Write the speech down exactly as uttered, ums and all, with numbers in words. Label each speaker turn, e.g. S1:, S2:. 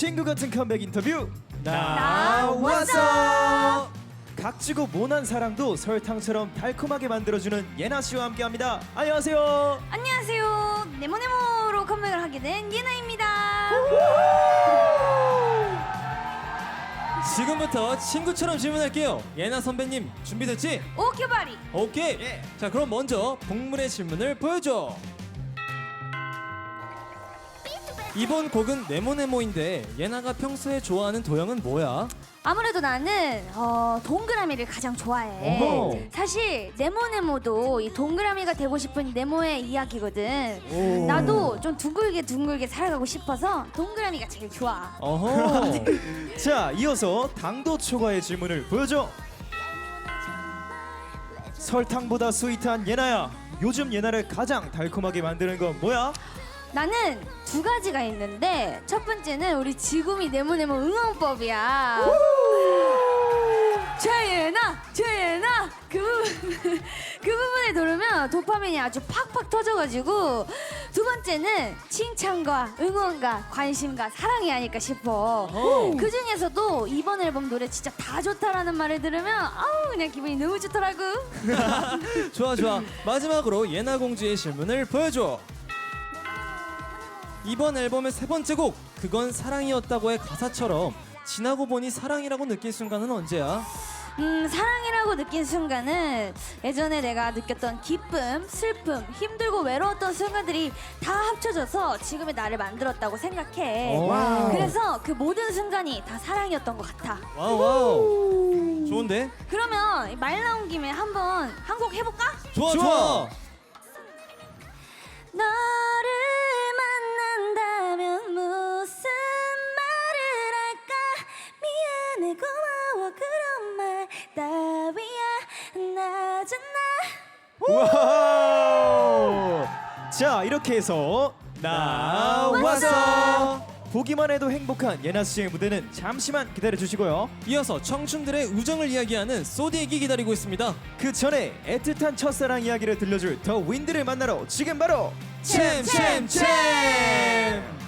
S1: 친구 같은 컴백 인터뷰
S2: 나왔어.
S1: 각지고 모난 사랑도 설탕처럼 달콤하게 만들어주는 예나 씨와 함께합니다. 안녕하세요.
S3: 안녕하세요. 네모네모로 컴백을 하게 된 예나입니다.
S2: 지금부터 친구처럼 질문할게요. 예나 선배님 준비됐지?
S3: 오케바리.
S2: 오케이.
S1: 예.
S2: 자 그럼 먼저 복물의 질문을 보여줘. 이번 곡은 네모네모인데 예나가 평소에 좋아하는 도형은 뭐야?
S3: 아무래도 나는 어, 동그라미를 가장 좋아해.
S2: 어허.
S3: 사실 네모네모도 이 동그라미가 되고 싶은 네모의 이야기거든.
S2: 오.
S3: 나도 좀 둥글게 둥글게 살아가고 싶어서 동그라미가 제일 좋아.
S2: 어허.
S1: 자, 이어서 당도 초과의 질문을 보여줘. 설탕보다 스윗한 예나야, 요즘 예나를 가장 달콤하게 만드는 건 뭐야?
S3: 나는 두 가지가 있는데 첫 번째는 우리 지구미 네모네모 응원법이야. 최예나 최예나 그 부분 그 부분을 들으면 도파민이 아주 팍팍 터져가지고 두 번째는 칭찬과 응원과 관심과 사랑이 아닐까 싶어.
S2: 오.
S3: 그 중에서도 이번 앨범 노래 진짜 다 좋다라는 말을 들으면 아우 그냥 기분이 너무 좋더라고.
S2: 좋아 좋아. 마지막으로 예나 공주의 질문을 보여줘. 이번 앨범의 세 번째 곡 그건 사랑이었다고의 가사처럼 지나고 보니 사랑이라고 느낄 순간은 언제야?
S3: 음 사랑이라고 느낀 순간은 예전에 내가 느꼈던 기쁨, 슬픔, 힘들고 외로웠던 순간들이 다 합쳐져서 지금의 나를 만들었다고 생각해.
S2: 오.
S3: 그래서 그 모든 순간이 다 사랑이었던 것 같아.
S2: 와우 와우. 좋은데?
S3: 그러면 말 나온 김에 한번 한 곡 해볼까?
S2: 좋아
S1: 좋아.
S2: 좋아.
S3: 너를 만난다면 무슨 말을 할까? 미안해 고마워 그런 말 따위야 나잖아.
S1: 와우! 자, 이렇게 해서 나왔어. 보기만 해도 행복한 예나 씨의 무대는 잠시만 기다려 주시고요.
S2: 이어서 청춘들의 우정을 이야기하는 소디액이 기다리고 있습니다.
S1: 그 전에 애틋한 첫사랑 이야기를 들려줄 더 윈드를 만나러 지금 바로
S2: 챔챔챔.